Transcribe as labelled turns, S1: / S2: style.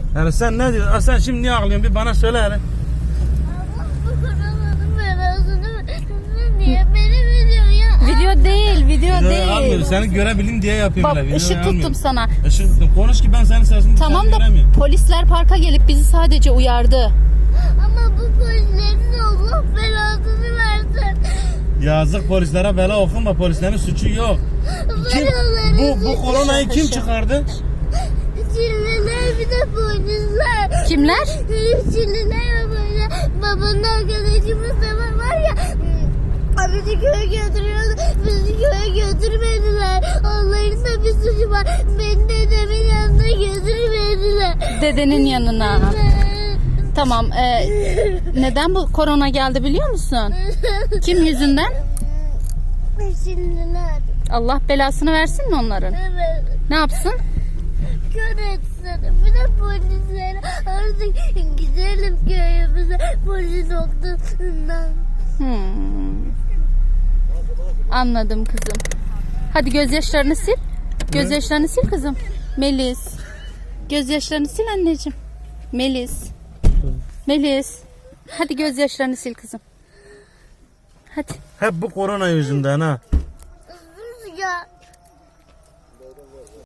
S1: Yani sen ne diyorsun? Sen şimdi niye ağlıyorsun? Bir bana söyle hele.
S2: Allah bu koronaların belasını niye beni video ya?
S3: Video değil, video
S1: Videoyu almıyorum.
S3: değil.
S1: Seni görebileyim diye yapıyorum.
S3: Bak
S1: hele. Videoyu
S3: ışık tuttum
S1: almıyorum.
S3: sana.
S1: Işık tuttum. Konuş ki ben senin sesini
S3: Tamam
S1: dışarı
S3: da
S1: göremiyorum.
S3: polisler parka gelip bizi sadece uyardı.
S2: Ama bu polislerin Allah belasını versin.
S1: Yazık polislere bela okuma. Polislerin suçu yok. Kim, bu koronayı kim çıkardı?
S2: Çinliler bir de polisler.
S3: Kimler?
S2: Çinliler ve böyle babanın arkadaşımız da var ya. Bizi köye götürüyordu. Bizi köye götürmediler. Onların da bir suçu var. Beni dedemin yanına götürmediler.
S3: Dedenin yanına. Tamam. Neden bu korona geldi biliyor musun? Kim yüzünden?
S2: Çinliler.
S3: Allah belasını versin mi onların?
S2: Evet.
S3: Ne yapsın?
S2: Kör etsin. Bir de polislere artık gidelim köyümüze polis noktasından.
S3: Anladım kızım. Hadi gözyaşlarını sil. Gözyaşlarını sil kızım. Melis. Gözyaşlarını sil anneciğim. Melis. Melis. Hadi gözyaşlarını sil kızım. Hadi.
S1: Hep bu korona yüzünden ha.